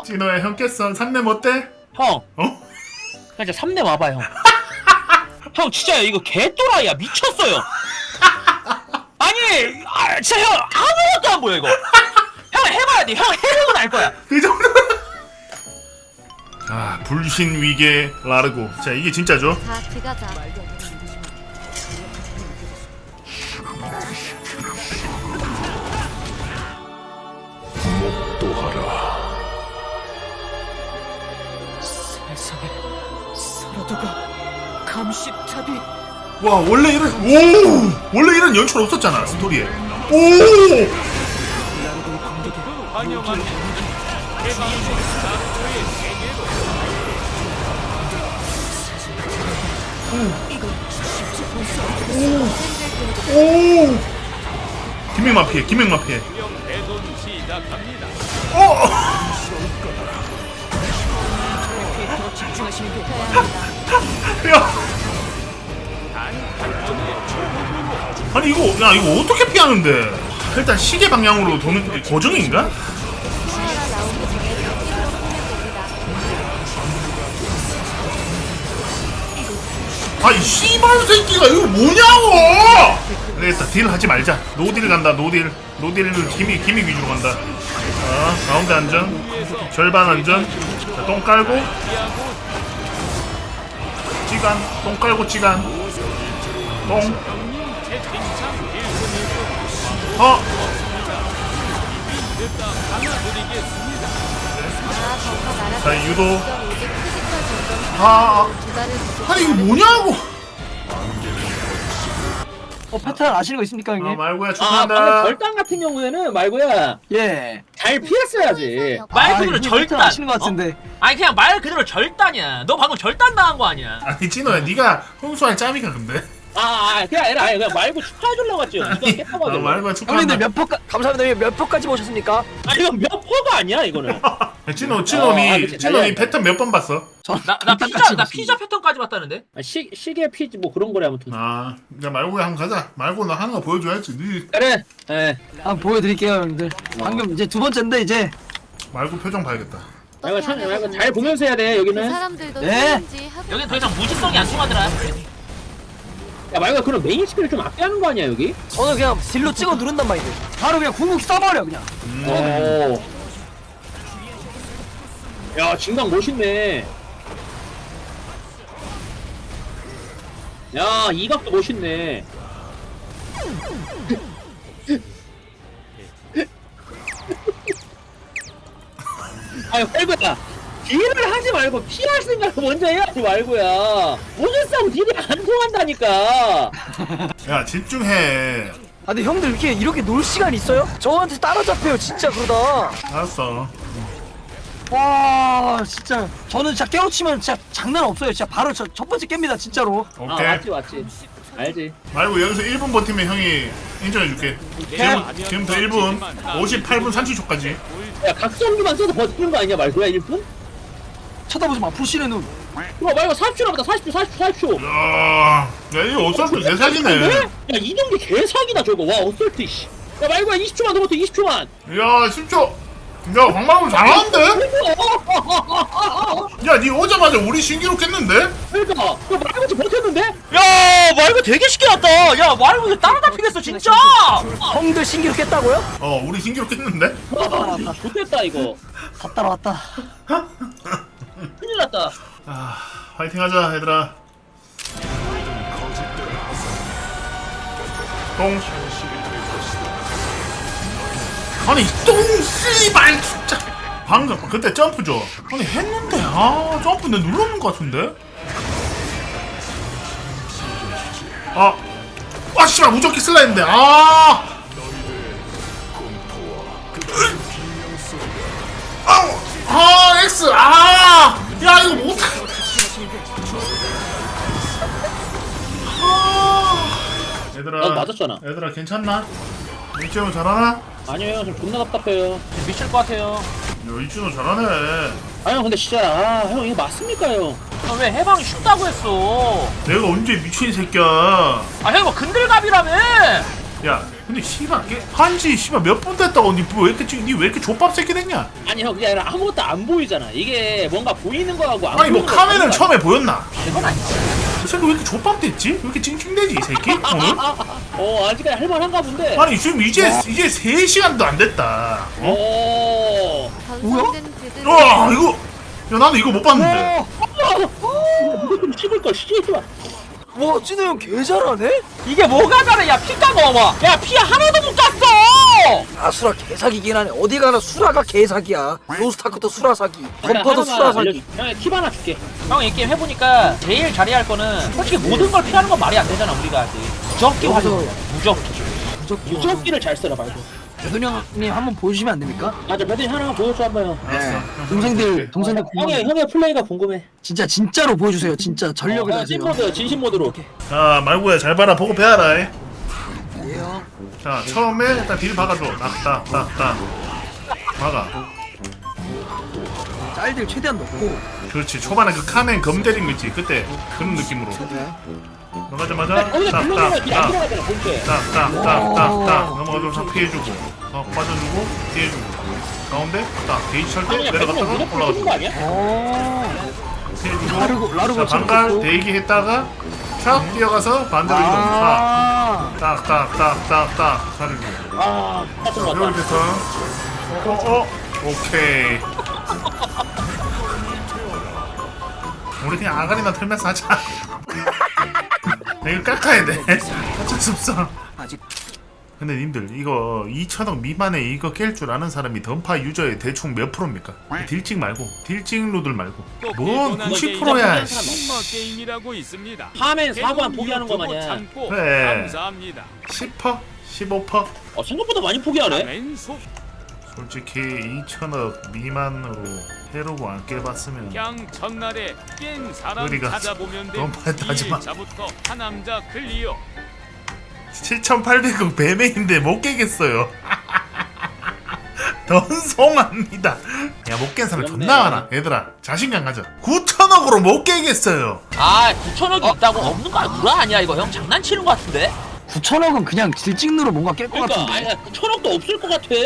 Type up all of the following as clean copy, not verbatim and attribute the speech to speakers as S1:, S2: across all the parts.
S1: 진호야 형 깼어. 3렘 어때?
S2: 형,
S1: 어?
S2: 그냥 3대 와봐 형. 형 진짜 이거 개또라이야 미쳤어요. 아니, 진짜 형 아무것도 안 보여 이거. 형 해봐야 돼. 형 해보고 날 거야.
S1: 그 정도. 아 불신 위계 라르고. 자 이게 진짜죠?
S3: 자, 들어가자.
S2: 세상에 사라도가 감시탑이.
S1: 와 원래 이런 연출 없었잖아 스토리에. 오. 오. 김행만 피해. 김행만 피해.
S2: 집중하시는 게.
S1: 야. 아니 이거 어떻게 피하는데? 일단 시계 방향으로 도는 게 고정인가?
S3: 카메라 나오기 전에 덕기로 보면 됩니다.
S1: 아이 씨발 새끼가 이거 뭐냐고! 되겠다. 딜 하지 말자. 노딜 간다. 노딜은 기믹 위주로 간다. 자 가운데 안전, 절반 안전. 자, 똥 깔고 찌간, 똥 깔고 찌간. 똥. 자 유도. 아니 이거 뭐냐고!
S4: 패턴 아시는 거 있습니까 형님?
S1: 말고야
S2: 방금
S1: 축하한다.
S2: 절단 같은 경우에는 말고야
S4: 예.
S2: 잘 피했어야지. 말 그대로
S4: 형님
S2: 절단.
S4: 패턴 아시는 거 같은데.
S2: 아니 그냥 말 그대로 절단이야. 너 방금 절단 당한 거 아니야?
S1: 아니 진호야 네가 훈수할 짬이가 근데.
S2: 그냥 아니라 그냥 말고 축하해주려고 했지. 네가 깼다고 하더라고.
S1: 말고야 축하한다.
S4: 형님들 감사합니다. 몇 포까지 보셨습니까?
S2: 아니 이건 몇 퍼가 아니야 이거는.
S1: 진호니
S2: 달려야
S1: 패턴 몇 번 봤어?
S2: 나 피자 패턴까지 봤다는데? 시계 피지 뭐 그런 거래 아무튼.
S1: 야 말고야 한번 가자. 말고 너 하는 거 보여줘야지. 네
S2: 그래. 예.
S4: 한번 보여드릴게요 형님들. 방금 이제 두 번째인데 이제.
S1: 말고 표정 봐야겠다.
S2: 말고 잘 보면서 해야 돼
S3: 그
S2: 여기는.
S3: 사람들도
S4: 네.
S2: 여긴 더 이상 무지성이 안 통하더라. 야 말고 그럼 메인 스킬을 좀 아껴하는 거 아니야 여기?
S4: 저는 그냥 딜로 찍어 누른단 말이죠. 바로 그냥 궁극기 써버려 그냥.
S2: 오. 야 진강 멋있네. 야 이각도 멋있네. 아유 말고야 딜을 하지 말고 피할 생각을 먼저 해야지 말고야. 무슨 딜이 안 통한다니까.
S1: 야 집중해.
S4: 아 근데 형들 이렇게 놀 시간 있어요? 저한테 따라잡혀요 진짜 그러다.
S1: 알았어.
S4: 와 진짜 저는 진짜 깨우치면 진짜 장난 없어요. 진짜 바로 첫 번째 깹니다 진짜로.
S1: 오케이.
S2: 맞지 알지.
S1: 말고 여기서 1분 버티면 형이 인정해줄게. 지금부터 1분 58분 30초까지.
S2: 야 각성기만 써도 버티는 거 아니냐 말고야 1분?
S4: 쳐다보지 마 불신의 눈.
S2: 그럼 말고 40초 남았다. 40초.
S1: 야 이거 어설프 개사기네.
S2: 야 이동기 개사기다 저거. 와 어설트 씨. 야 말고야 20초만 더 버텨 20초만.
S1: 야 10초. 야 광만우 잘하는데? 야 니 오자마자 우리 신기록 했는데?
S2: 그러니까 야 말고 버텼는데? 야 말고 되게 쉽게 났다. 야 말고 따라잡히겠어 진짜.
S4: 형들 신기록 깼다고요?
S1: 우리 신기록 했는데?
S2: 와 좋겠다 이거.
S4: 다 따라왔다.
S2: 큰일 났다.
S1: 화이팅 하자 얘들아. 똥. 아니 똥 씨발 진짜. 방금 그때 점프 줘. 아니 했는데 점프 내 눌렀는 것 같은데? 씨발 무적기 쓸라 했는데 X 야 이거 못해. 얘들아
S2: 맞았잖아.
S1: 얘들아 괜찮나? 이준호 잘하나?
S2: 아니에요 좀 존나 답답해요. 미칠 것 같아요.
S1: 야 이준호 잘하네.
S2: 아형 근데 진짜 형 이거 맞습니까 형? 왜 해방이 쉽다고 했어?
S1: 내가 언제 미친 새끼야.
S2: 형 뭐 근들갑이라며?
S1: 야 근데 씨발 한지 씨발 몇 분 됐다고 니왜 이렇게 족밥 새끼 됐냐?
S2: 아니 형 그게 아니라 아무것도 안 보이잖아. 이게 뭔가 보이는 거하고 안
S1: 아니 뭐
S2: 보이는
S1: 카메라는
S2: 거하고
S1: 처음에 보였나?
S2: 그건 아니야.
S1: 이 새끼 왜 이렇게 족밥 됐지? 왜 이렇게 찡찡대지 이 새끼? 오늘?
S2: 아직까지 할만한가 본데.
S1: 아니 지금 이제 3시간도 안 됐다. 어?
S3: 전성된 그들의
S1: 와 이거 야 나는 이거 못 봤는데.
S2: 이거 좀 씹을 걸 씨발.
S4: 와 찐우 형 개 잘하네?
S2: 이게 뭐가 잘해? 야 피가 먹어. 야 피 하나도 못 깠어.
S4: 아 수라 개사기긴 하네. 어디 가나 수라가 개사기야. 로스타크도 수라 사기, 덤퍼도 수라 사기.
S2: 형이 팁 하나 줄게. 형 이 게임 해보니까 제일 잘해야 할 거는 솔직히 모든 걸 피하는 건 말이 안 되잖아 우리가 아직. 무적기 활용. 무적기. 무적기를 잘 써라 말고.
S4: 배돈 형님 한번 보여주시면 안 됩니까?
S2: 맞아 배드니 하나 보여줘 한번.
S4: 네. 동생들
S2: 형의 플레이가 궁금해.
S4: 진짜로 보여주세요. 진짜 전력을 다하세요.
S2: 찐모드 진심 모드로.
S1: 자 말고야 잘 봐라 보고 배워라.
S4: 예요.
S1: 자 처음에 일단 딜 박아줘. 딱딱딱딱 박아.
S4: 짤들 최대한 넣고.
S1: 그렇지 초반에 그 카멘 검 때린 거 있지 그때 그런 느낌으로 넘어가자마자
S2: 거기서 블록이가 안
S1: 딱딱딱
S2: 들어가잖아 본체.
S1: 딱딱딱딱딱 넘어가서 싹 피해주고 빠져주고 피해주고 가운데 딱 게이지 찰 때
S2: 아니야
S1: 내려갔다가
S2: 무조건 쓰는 거
S1: 올라가자
S2: 아니야?
S1: 피해주고
S4: 라르고
S1: 자 반갈 대기했다가 촥 뛰어가서 반대로 이동 딱딱딱딱딱 차리고
S2: 아 같은 거
S1: 배울
S2: 같다.
S1: 패턴 오케이 우리 그냥 아가리나 털면서 하자. 이거 깎아야 돼. 어쩔 수 없어.
S4: 아직
S1: 근데 님들 이거 2천억 미만에 이거 깰 줄 아는 사람이 던파 유저의 대충 몇 프로입니까? 딜찍 말고 딜찍 루들 말고 뭔 90%야.
S5: 게임이라고 있습니다.
S2: 하면 사고만 포기하는 거 마냥.
S1: 그래.
S5: 감사합니다.
S1: 10%? 15%?
S2: 생각보다 많이 포기하네.
S5: 왼손
S1: 솔직히 2천억 미만으로 해로고 안 깨봤으면
S5: 그냥 첫날에 깬 사람
S1: 우리가
S5: 찾아보면 돼.
S1: 너무 했다지만.
S5: 2일차부터 한 남자 클리어.
S1: 7,800억 배매인데 못 깨겠어요. 던송합니다. 야 못 깬 사람 존나 많아. 얘들아 자신감 가져. 9천억으로 못 깨겠어요.
S2: 9천억이 있다고 없는 거 구라 아니야 이거 형 장난치는 거 같은데?
S4: 9천억은 그냥 딜찍누로 뭔가 깰 것
S2: 그러니까
S4: 같은데.
S2: 9천억도 없을 것 같아.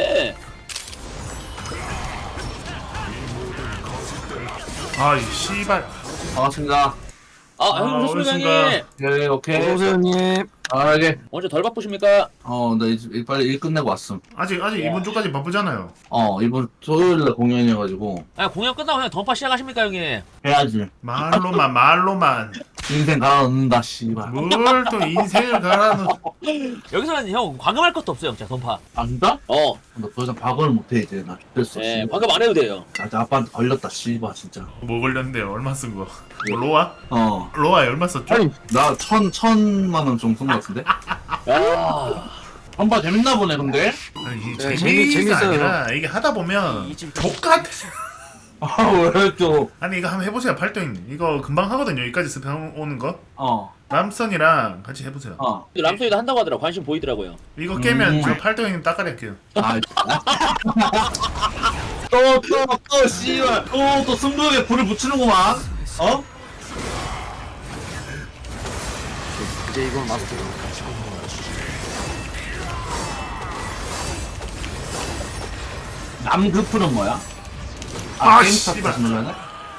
S1: 아이 씨발.
S6: 반갑습니다.
S2: 형
S1: 어르신가.
S2: 교수님
S6: 네, 오케이.
S4: 어서오세요 형님.
S6: 아, 예.
S2: 언제 덜 바쁘십니까?
S6: 나 이제 빨리 일 끝내고 왔음.
S1: 아직 이번 주까지 바쁘잖아요.
S6: 이번 토요일날 공연이어가지고
S2: 공연 끝나고 그냥 던파 시작하십니까 형님?
S6: 해야지.
S1: 말로만
S6: 인생 갈아 넣는다, 씨발.
S1: 뭘 또 인생을 갈아넣.
S2: 여기서는 형 과금할 것도 없어요 진짜 던파.
S6: 안다? 나 더 이상 박을 못해, 이제. 나 됐어,
S2: 네
S6: 씨발.
S2: 과금 안 해도 돼요.
S6: 나 아빠한테 걸렸다, 씨발, 진짜.
S1: 뭐 걸렸는데요? 얼마 쓴 거? 뭐 로아?
S6: 어.
S1: 로아에 얼마 썼죠?
S4: 아니
S6: 나 천만 원 정도 쓴 것 같은데?
S2: 야
S6: 한바 재밌나 보네, 근데?
S1: 아니 이게
S4: 네,
S1: 재미가
S4: 재밌어요.
S1: 아니라 이게 하다 보면 족같아.
S6: 왜 또?
S1: 아니 이거 한번 해보세요. 팔도잉 이거 금방 하거든요. 여기까지 스팸 오는 거.
S6: 어.
S1: 남선이랑 같이 해보세요.
S2: 람소이도 한다고 하더라. 관심 보이더라고요.
S1: 이거 깨면 저 팔도잉 따까리 할게요.
S6: 아, 또, 씨발. 또 승부욕에 불을 붙이는구만. 어?
S4: 이제 이건 마스터.
S6: 남극풀은 뭐야?
S1: 아,
S6: 게임
S1: 씨발.
S6: 스타트 누르네?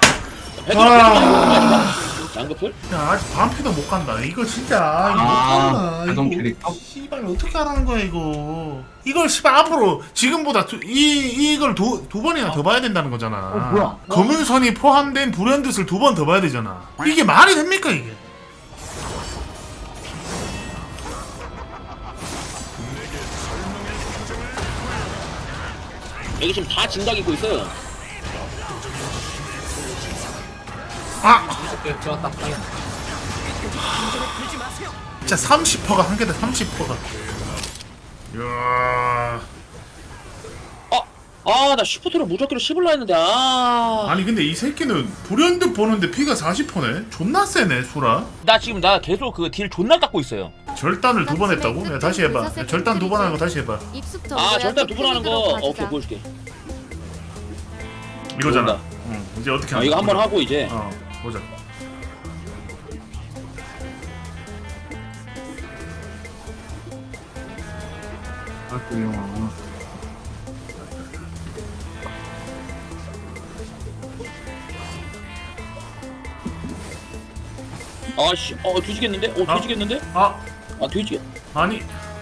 S2: 양급풀?
S1: 야 아직 반피도 못 간다. 이거 진짜 이거 못 간다.
S6: 자동
S1: 이거
S6: 캐릭터?
S1: 씨발 어떻게 하라는 거야 이거. 이걸 씨발 앞으로 지금보다 이걸 두 번이나 더 봐야 된다는 거잖아.
S4: 뭐야?
S1: 검은 선이 포함된 불현듯을 두 번 더 봐야 되잖아. 이게 말이 됩니까 이게?
S2: 여기 지금 다 진각 입고 있어요.
S1: 아! 진짜 30%가 한 개다 30%가. 이야.
S2: 나 슈퍼트로 무적기로 씹을라 했는데
S1: 아니 근데 이 새끼는 불현듯 보는데 피가 40%네? 존나 세네 수라.
S2: 나 계속 그 딜 존나 깎고 있어요.
S1: 절단을 두 번 했다고? 야 다시 해봐. 야, 절단 두 번 하는 거 다시 해봐.
S3: 입숙
S2: 절단 두 번 하는 거 오케이 보여줄게.
S1: 이거잖아.
S2: 모른다.
S1: 응. 이제 어떻게 하는
S2: 이거
S1: 거야?
S2: 한번 하고 이제
S1: 보자.
S2: 아씨 뒤지겠는데? 뒤지겠는데?
S1: 아
S2: 뒤지겠
S1: 아니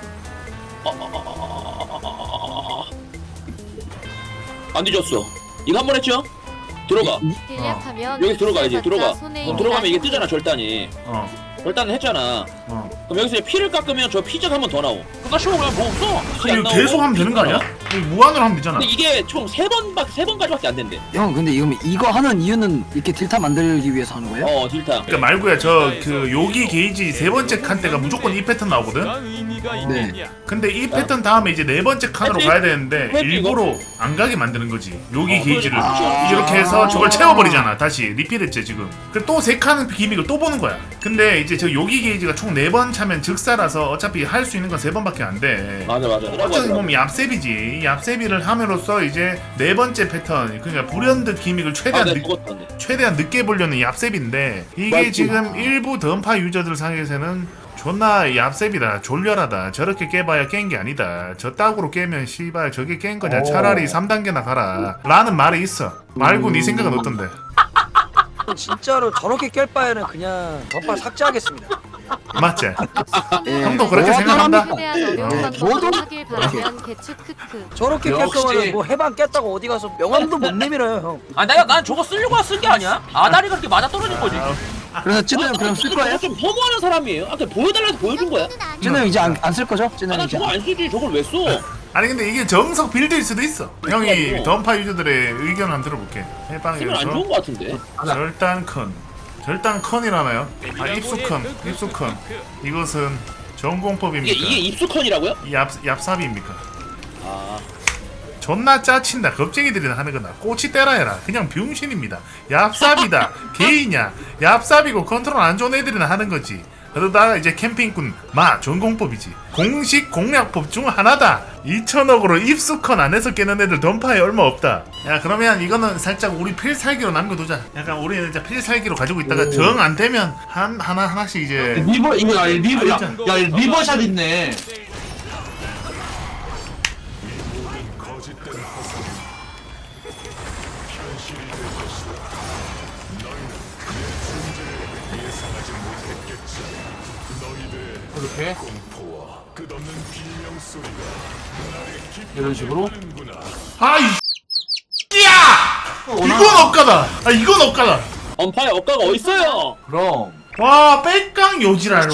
S2: 안 뒤졌어. 이거 한 번 했죠? 들어가.
S3: 딜약하면
S2: 여기 들어가야지. 들어가.
S3: 손에
S2: 그럼 들어가면 이게
S3: 있는
S2: 뜨잖아, 절단이. 절단은 했잖아. 그럼 여기서 이제 피를 깎으면 저 피적 한 번 더 나오. 나 쉬워 그냥 뭐 없어.
S1: 이거 계속 하면 되는 거 아니야? 이거 무한으로 하면 되잖아.
S2: 근데 이게 총 3번까지밖에 안 된대.
S4: 형 근데 이거 하는 이유는 이렇게 딜타 만들기 위해서 하는 거예요?
S2: 딜타.
S1: 그러니까 말고야 저 그 요기 게이지 세 번째 칸 때가 무조건 이 패턴 나오거든.
S5: 어떤 의미가 있느냐?
S1: 근데 이 패턴 다음에 이제 네 번째 칸으로
S2: 해피?
S1: 가야 되는데
S2: 해피
S1: 일부러 안 가게 만드는 거지. 요기 게이지를
S2: 아.
S1: 이렇게 해서 저걸 채워버리잖아. 다시 리필했지 지금. 그 또 세 칸은 기믹을 또 보는 거야. 근데 이제 저 요기 게이지가 총 4번 차면 즉사라서 어차피 할 수 있는 건 3번밖에 안 돼.
S2: 맞아.
S1: 어차피 보면 얍셉이지. 얍셉이를 함으로써 이제 네 번째 패턴, 그러니까 불현듯 기믹을 최대한 늦게 보려는 얍셉인데 이게
S2: 맞지.
S1: 지금 일부 던파 유저들 상에서는 존나 얍셉이다, 졸렬하다, 저렇게 깨봐야 깬 게 아니다, 저 딱으로 깨면 씨발 저게 깬 거냐, 차라리 3단계나 가라 라는 말이 있어. 말고 네 생각은 어떤데?
S4: 진짜로 저렇게 깰 바에는 그냥 덧발 삭제하겠습니다.
S1: 맞지?
S4: 예.
S1: 형도 그렇게 생각한다?
S3: 최대한 어려운
S4: 저도
S3: 방법을 하길 바라면 개축 크크.
S4: 저렇게 깰
S6: 역시.
S4: 거면 뭐 해방 깼다고 어디 가서 명함도 못 내밀어요 형.
S2: 난 저거 쓰려고 쓴 게 아니야. 아다리가 그렇게 맞아 떨어진 거지.
S4: 그래서 찐우 형 그럼 쓸 거예요?
S2: 좀 허무하는 사람이에요. 아까 보여달라고 보여준 거야.
S4: 찐우 형 이제 안 쓸 거죠? 찐우 형
S2: 난
S4: 이제
S2: 저거 안 쓰지. 저걸 왜 써?
S1: 아니 근데 이게 정석 빌드일 수도 있어. 형이
S2: 그러니까.
S1: 던파 유저들의 의견 한번 들어볼게.
S2: 쓰면 안
S1: 해방에서
S2: 좋은 거 같은데.
S1: 절단컨이라나요? 입수컨. 이것은 전공법입니까?
S2: 이게 입수컨이라고요?
S1: 얍삽입니까?
S2: 아.
S1: 존나 짜친다. 겁쟁이들이 하는 거나 꼬치 때라 해라. 그냥 병신입니다. 얍삽이다. 게이냐? 얍삽이고 컨트롤 안 좋은 애들이나 하는 거지. 그러다가 이제 캠핑꾼 전공법이지. 공식 공략법 중 하나다. 2천억으로 입수컨 안에서 깨는 애들 던파에 얼마 없다. 야 그러면 이거는 살짝 우리 필살기로 남겨두자. 약간 우리는 이제 필살기로 가지고 있다가 정 안 되면 하나씩 이제
S6: 리버 이거 야 리버샷 있네. 이렇게 이런 식으로
S1: 아이 야 이건 억까다. 이건 억까다.
S2: 언파의 억가가 어딨어요?
S6: 그럼
S1: 와 빽강 요지랄.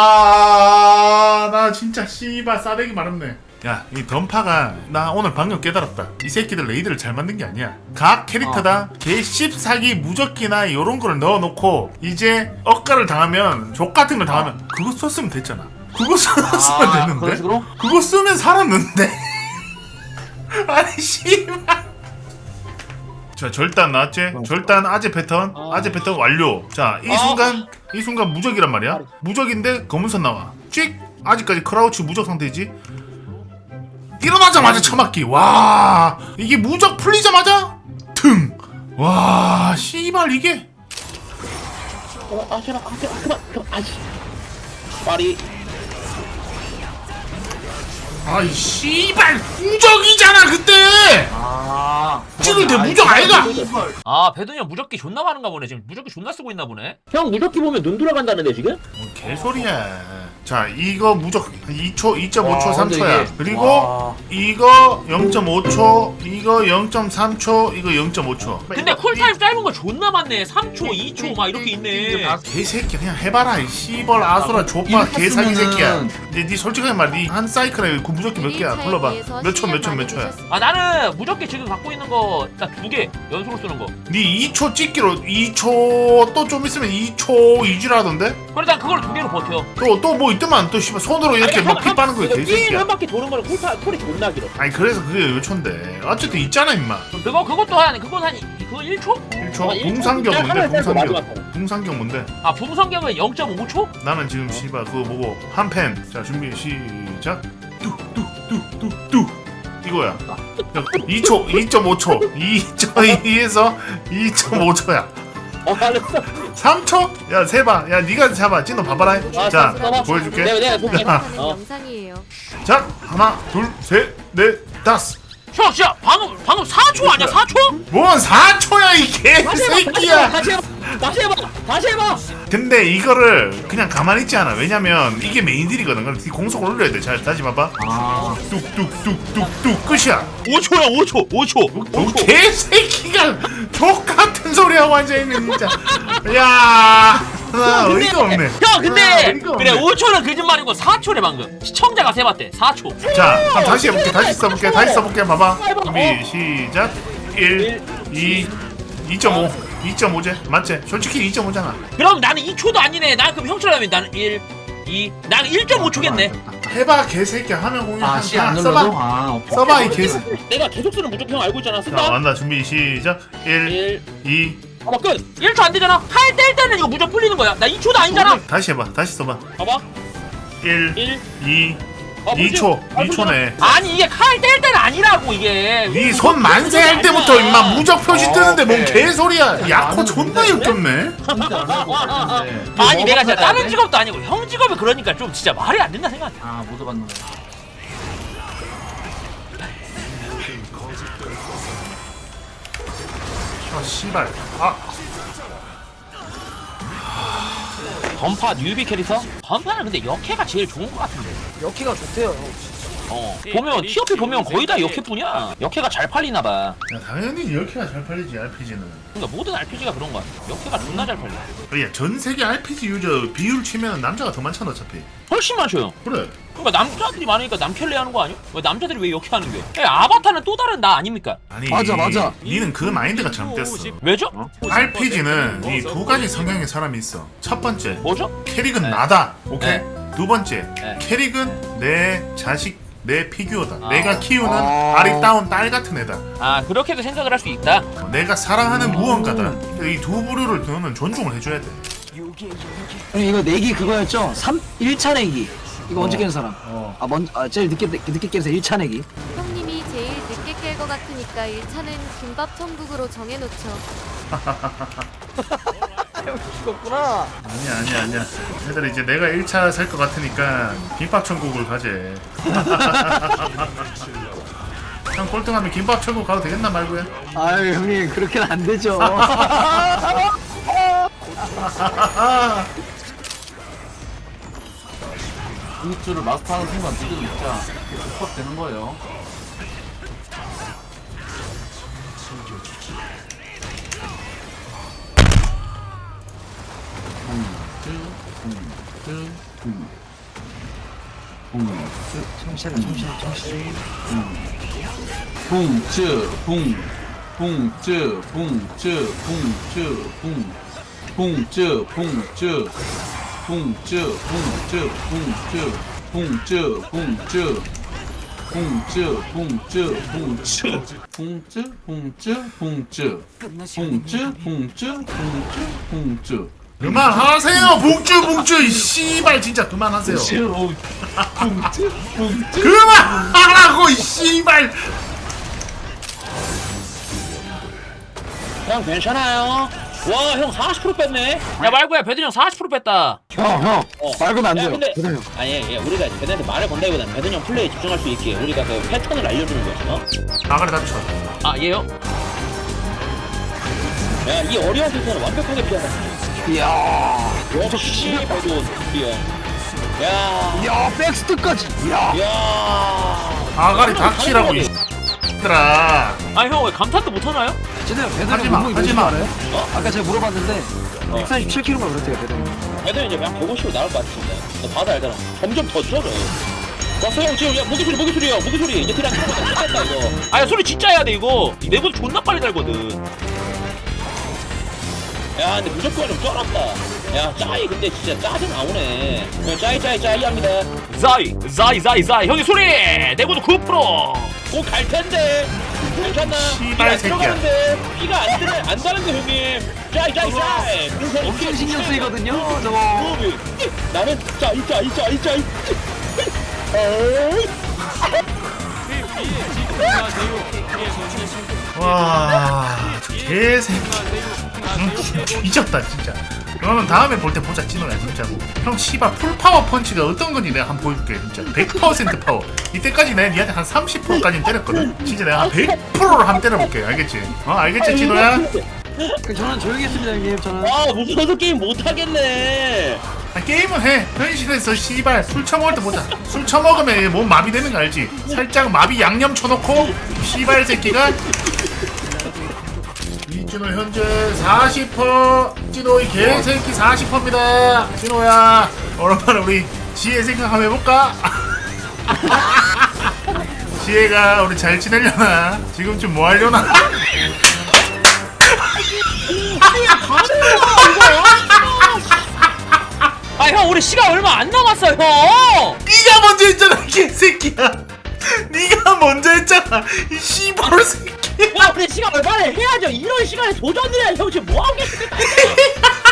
S1: 와 나 진짜 씨발 싸대기 마렵네. 야 이 던파가 나 오늘 방금 깨달았다. 이 새끼들 레이드를 잘 만든 게 아니야. 각 캐릭터당 개 14기 무적기나 요런 거를 넣어놓고 이제 억가를 당하면 족같은 걸 당하면 그거 썼으면 됐잖아. 그거 쓰면
S6: 그런
S1: 됐는데?
S6: 식으로?
S1: 그거 쓰면 살았는데? 아니 씨발. 자 절단 나왔지? 절단 아재 패턴 완료. 자 이 순간 무적이란 말이야. 무적인데 검은선 나와. 찍 아직까지 크라우치 무적 상태지. 일어나자마자 처맞기. 와 이게 무적 풀리자마자 등. 와 씨발 이게
S2: 파리.
S1: 아이 씨발 무적이잖아 그때. 찍을 때 무적 아이가.
S2: 배드니 형 무적기 존나 많은가 보네. 지금 무적기 존나 쓰고 있나 보네. 형 무적기 보면 눈 돌아간다는데 지금?
S1: 뭐 개소리야. 자 이거 무적 2초, 2.5초,
S6: 와,
S1: 3초야.
S6: 이게-
S1: 그리고
S6: 와.
S1: 이거 0.5초, 이거 0.3초, 이거 0.5초.
S2: 근데 쿨타임 짧은 거 존나 많네. 3초, 2초 막 이렇게 있네.
S1: 개새끼 그냥 해봐라 이 씨벌 아수라 족바 개사기 새끼야. 이제 니 솔직하게 말해 니 한 사이클에 그 무적기 몇 개야? 불러봐. 몇 초야?
S2: 나는 무적기 지금 갖고 있는 거 딱 2개 연속으로 쓰는 거.
S1: 니 2초 찍기로 2초 또 좀 있으면 2초 2주라던데?
S2: 그래 난 그걸 2개로 버텨.
S1: 또 뭐 있더만 또 씨발 손으로 이렇게 막 피 빠는 거야 개새끼야.
S2: 한 바퀴 도는 거는 쿨이 존나 길어.
S1: 아니 그래서 그게 몇 초인데 어쨌든 있잖아 임마.
S2: 그것도 그거 1초?
S1: 1초? 붕상경 뭔데 붕상경? 붕상경 뭔데?
S2: 붕성경은 0.5초?
S1: 나는 지금 씨발 그거 보고 한 펜. 자 준비 시작. 뚝뚝뚝뚝뚝 이거야. 2초 2.5초 2.2에서 2.5초야.
S2: 알았어.
S1: 3초? 야 세봐. 야 네가 잡아. 찐너 봐봐라. 자
S2: 써봐.
S1: 보여줄게.
S2: 내가 볼게.
S3: 하는
S2: 어.
S3: 영상이에요.
S1: 자 하나 둘셋넷 다섯.
S2: 형 진짜 방금 4초 아니야 4초?
S1: 뭔 4초야 이 개새끼야.
S2: 다시 해봐.
S1: 근데 이거를 그냥 가만히 있지 않아. 왜냐면 이게 메인딜이거든. 그럼 공속 올려야 돼. 자 다시 봐봐. 뚝뚝뚝뚝뚝 끝이야.
S2: 5초야 5초.
S1: 개새끼가 족같은 소리 하고 앉아있네 진짜. 야 나 어이가 없네.
S2: 형 근데
S1: 어이가 없네.
S2: 그래 5초는 거짓말이고 4초래 방금. 시청자가 세봤대 4초.
S1: 자 그럼 다시 해볼게. 다시 써볼게. 봐봐. 준비 시작. 1 2 2.5 2.5제 맞지? 솔직히 2.5잖아.
S2: 그럼 나는 2초도 아니네. 난 그럼 형처럼 나는 1, 2, 나는 1.5초겠네.
S1: 해봐 개새끼야. 화면 공유
S6: 아, 씨, 안 눌러도?
S1: 써봐.
S6: 아, 오케이.
S1: 써봐 이 개새끼.
S2: 내가 계속 쓰는 무조건 형 알고 있잖아.
S1: 자
S2: 쓴다.
S1: 간다. 준비 시작. 1 2
S2: 봐봐 끝. 1초 안 되잖아. 칼 뗄 때는 이거 무조건 풀리는 거야. 나 2초도 아니잖아.
S1: 다시 해봐. 다시 써봐.
S2: 봐봐.
S1: 1
S2: 1.
S1: 2
S2: 아,
S1: 2초.
S2: 뭐지?
S1: 2초네.
S2: 아니 이게 칼 뗄 때는 아니라고 이게.
S1: 네 손 만세 할 때부터 임마 무적 표시 뜨는데 뭔
S6: 오케이.
S1: 개소리야. 야코 존나 역겹네.
S6: 진짜 안 하고 있는데.
S2: 아니 내가 진짜 다른
S6: 지
S2: 직업도 아니고 형 직업이 그러니까 좀 진짜 말이 안 된다 생각해.
S6: 아, 모두 받는 거.
S1: 아 씨발. 아
S2: 던파 뉴비 캐릭터? 던파는 근데 역해가 제일 좋은 것 같은데.
S4: 여기가 좋대요.
S2: 보면 TOP 보면 거의 다 역해뿐이야. 역해가 잘 팔리나 봐.
S1: 야, 당연히 이렇게가 잘 팔리지 RPG는.
S2: 그러니까 모든 RPG가 그런 거야. 역해가 존나 잘 팔려.
S1: 야, 전 세계 RPG 유저 비율 치면 남자가 더 많잖아 어차피.
S2: 훨씬 많죠.
S1: 그래.
S2: 그러니까 남자들이 많으니까 남캐를 하는 거 아니야? 왜 남자들이 왜 역해하는 거야? 아바타는 또 다른 나 아닙니까?
S1: 아니.
S4: 맞아.
S1: 니는 그 마인드가 잘못됐어.
S2: 왜죠?
S1: RPG는 이 두 가지 성향의 사람이 있어. 첫 번째,
S2: 뭐죠?
S1: 캐릭은
S2: 네.
S1: 나다. 오케이.
S2: 네.
S1: 두 번째,
S2: 네.
S1: 캐릭은 내 자식, 내 피규어다.
S2: 아.
S1: 내가 키우는
S4: 아.
S1: 아리따운 딸 같은 애다.
S2: 아 그렇게도 생각을 할 수 있다.
S1: 내가 사랑하는 무언가다. 이 두 부류를 너는 존중을 해줘야 돼.
S4: 형님 이거 내기 그거였죠? 1차 내기. 이거 언제 깨는 사람? 제일 늦게 깨서 1차 내기.
S3: 형님이 제일 늦게 깰 것 같으니까 1차는 김밥 천국으로 정해놓죠.
S4: 죽었구나.
S1: 아니야. 얘들아 이제 내가 1차 살 것 같으니까 김밥 천국을 가재. 형 꼴등하면 김밥 천국 가도 되겠나 말고야.
S4: 아유 형님 그렇게는 안 되죠.
S6: 공주를 마스터하는 순간 니들 진짜 족밥 되는 거예요. 봉주
S1: 그만하세요 봉쭈 이 씨발 진짜 그만하세요. 그만하라고 이 씨발.
S2: 형 괜찮아요. 와 형 40% 뺐네. 야 말고야 배든 형 40% 뺐다.
S4: 형 말고는 안
S2: 야,
S4: 돼요.
S2: 근데
S4: 그래요.
S2: 아니 우리가 배든한테 말을 건다기보다는 배든 형 플레이에 집중할 수 있게 우리가 그 패턴을 알려주는 거지.
S1: 나가리 다쳐.
S2: 아 얘요? 야 이 어려운 패턴을 완벽하게 피하다.
S4: 이야.
S2: 역시 배든 피어. 야.
S4: 야 백스트까지. 이야.
S2: 야.
S1: 아가리 닥치라고 이 X들아.
S2: 아니 형 왜 감탄도 못 하나요?
S4: 쟤네가
S1: 하지
S4: 배달이
S1: 마,
S4: 몸무게
S1: 하지
S4: 몇인 줄
S1: 마.
S4: 알아요? 아까 제가 물어봤는데 147kg가 그렇대요 배달이.
S2: 배든 이제 그냥 150으로 나올 것 같습니다. 너 봐도 알잖아. 점점 더 줄어져. 왔어 형 지금 야 모기 소리야 모기 소리 이제 그냥 끝났다 이거. 아야 소리 진짜 해야 돼 이거. 내보다 존나 빨리 달거든. 야 근데 무조건 좀 쩔었다. 야 짜이 근데 진짜 짜증 나오네. 짜이 합니다. 짜이 형님 소리 내고도 9%. 꼭 갈 텐데 괜찮나?
S1: 씨발 새끼야.
S2: 들어가는데 피가 안 다는데 형님. 짜이
S4: 엄청 신경 쓰이거든요 저거.
S2: 나는 짜이
S1: 와, 저 개새끼. 잊었다 진짜. 그러면 다음에 볼 때 보자 찐호야 진짜로. 형 씨발 풀파워 펀치가 어떤 건지 내가 한번 보여줄게 진짜. 100% 파워. 이때까지 내가 니한테 한 30%까지는 때렸거든. 진짜 내가 한 100%를 한번 때려볼게. 알겠지? 알겠지 찐호야?
S4: 저는 조용히 했습니다 형님. 저는
S2: 아 무서워서 게임 못하겠네.
S1: 게임은 해. 현실에서 씨발 술 처먹을 때 보자. 술 처먹으면 몸 마비되는 거 알지? 살짝 마비 양념 쳐놓고 씨발 새끼가. 이진호 현재 40%. 진호이 개새끼 40%입니다. 진호야 오랜만에 우리 지혜 생각 한번 해볼까? 지혜가 우리 잘 지내려나? 지금쯤 뭐 하려나?
S2: 아 형 우리 시간 얼마 안 남았어 형.
S1: 네가 먼저 했잖아 이 개새끼야. 네가 먼저 했잖아 이 씨발 새끼야.
S2: 야 우리 시간 얼마나 해야죠. 이런 시간에 도전을 해. 형 지금 뭐 하고 계십니까?